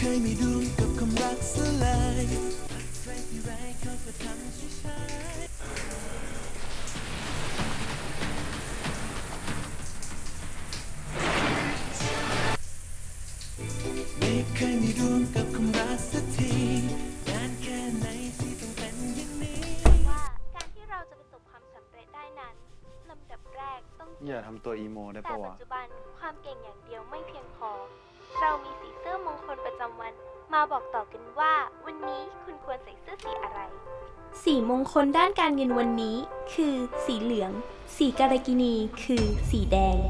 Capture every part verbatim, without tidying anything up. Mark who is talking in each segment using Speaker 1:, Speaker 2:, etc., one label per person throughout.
Speaker 1: ยมีดวงกับความรักสลายใครที่ร้ายเขาก็ทำช้าๆไม่เคยมีดวงกับความรักสักทีนานแค่ไหนที่ต้องเป็นอย่างนี้
Speaker 2: ว่าการที่เราจะประสบความสำเร็จได้นั้นลำดับแรกต้อง
Speaker 3: อย่าทำตัวอีโมได้
Speaker 2: แต่
Speaker 3: ปะ
Speaker 2: ปั
Speaker 3: วะ
Speaker 2: จจุบันความเก่งอย่างเดียวไม่เพียงพอ เรามีสีเสื้อมงคลประจำวัน มาบอกต่อกันว่าวันนี้คุณควรใส่เสื้อสีอะไร สีมงคลด้านการเงินวันนี้ คือสีเหลือง สีกาลกิณีคือสีแดง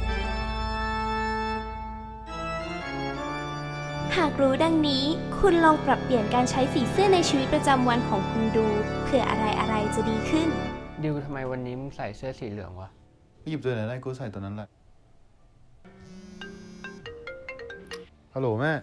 Speaker 2: หากรู้ดังนี้ คุณลองปรับเปลี่ยนการใช้สีเสื้อในชีวิตประจำวันของคุณดูเผื่ออะไรอะไรจะดีขึ้น
Speaker 4: ดิวทำไมวันนี้มึงใส่เสื้อสีเหลืองวะ
Speaker 3: หยิบตัวไหนได้กูใส่ตัวนั้นแหละ ฮัลโหลแม่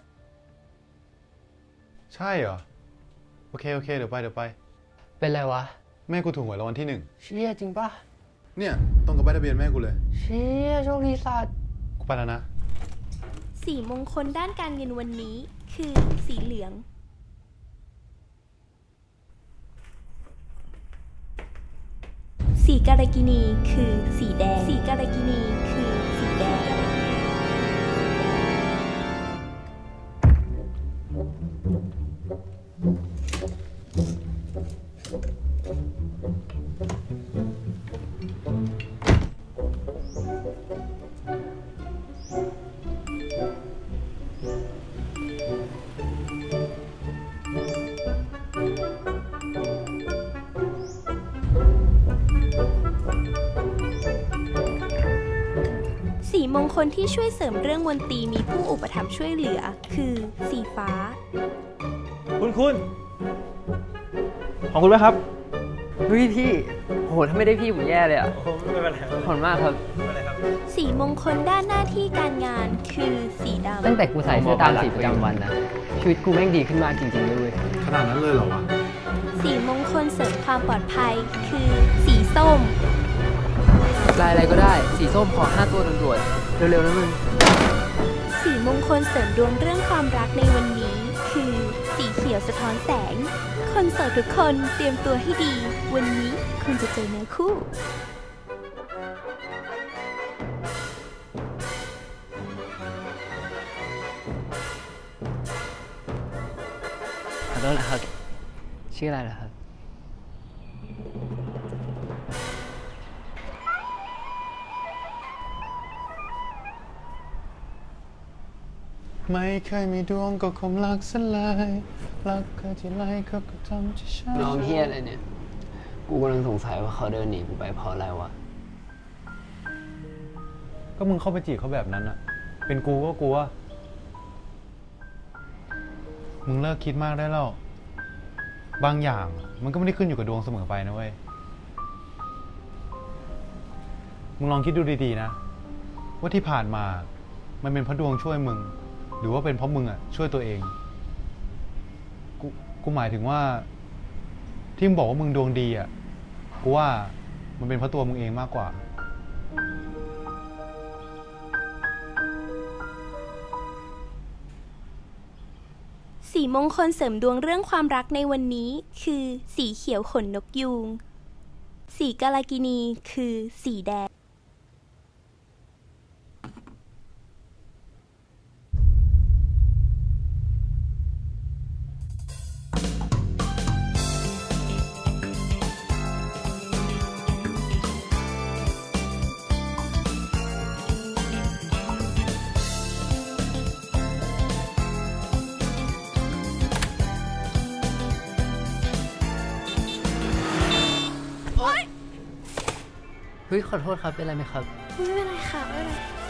Speaker 3: ใช่เหรอ โอเค โอเค เดี๋ยวไป เดี๋ยวไป
Speaker 4: เป็นไรวะ
Speaker 3: แม่กูถูกหวยรางวัลที่หนึ่ง
Speaker 4: เชี่ยจริงปะ
Speaker 3: เนี่ยตรงกับใบทะเบียนแม่กูเลย
Speaker 4: เชี่ยโชคดีสัตว์
Speaker 3: กูไปแล้วนะ
Speaker 2: สีมงคลด้านการเงินวันนี้ คือสีเหลือง สีกาลกิณีคือสีแดง สีกาลกิณีคือสีแดง สีมงคลที่ช่วยเสริมเรื่องมนตรีมีผู้อุปถัมภ์ช่วยเหลือ คือสีฟ้า
Speaker 5: คุณคุณของคุณไหมครับ
Speaker 4: เฮ้ยพี่ โห ถ้าไม่ได้พี่ผมแย่เลยอ่ะ
Speaker 5: โอ้ไม่เป็นไร
Speaker 4: ขอบคุณมากครับ
Speaker 5: ไม่เป็นไรครับ
Speaker 2: สีมงคลด้านหน้าที่การงานคือสีดำ
Speaker 4: ตั้งแต่กูใส่เสื้อตามสีประจำวันนะ ชีวิตกูแม่งดีขึ้นมากจริงๆเลยเว้ย
Speaker 3: ขนาดนั้นเลยเหรอวะ
Speaker 2: สีมงคลเสริมความปลอดภัย คือสีส้ม
Speaker 4: ลายอะไรก็ได้ สีส้มขอห้าตัวด่วนๆ เร็วๆนะมึง
Speaker 2: สีมงคลเสริมดวงเรื่องความรักในวันนี้ คือสีเขียวสะท้อนแสง คนโสดทุกคนเตรียมตัวให้ดี วันนี้คุณจะเจอเนื้อคู่
Speaker 4: ขอโทษนะครับ ชื่ออะไรเหรอครับ
Speaker 3: ไม่เคยมีดวงกับความรักสลายรักเคยที่ไรเขาก็ทำจะช้า
Speaker 4: น้องเฮียอะไรเนี่ย กูกำลังสงสัยว่าเขาเดินหนีกูไปเพราะอะไรวะ
Speaker 3: ก็มึงเข้าไปจีบเขาแบบนั้นอะเป็นกูก็กลัว มึงเลิกคิดมากได้แล้ว บางอย่างมันก็ไม่ได้ขึ้นอยู่กับดวงเสมอไปนะเว้ย มึงลองคิดดูดีๆนะ ว่าที่ผ่านมา มันเป็นเพราะดวงช่วยมึง หรือว่าเป็นเพราะมึงอะช่วยตัวเอง กู กูหมายถึงว่า ที่มึงบอกว่ามึงดวงดีอะกูว่ามันเป็นเพราะตัวมึงเองมากกว่า
Speaker 2: สีมงคลเสริมดวงเรื่องความรักในวันนี้ คือสีเขียวขนนกยูง สีกาลกิณีคือสีแดง
Speaker 4: เฮ้ย ขอโทษครับ เป็นไรไหมครับ
Speaker 2: ไม่เป็นไรค่ะไม่เป็นไร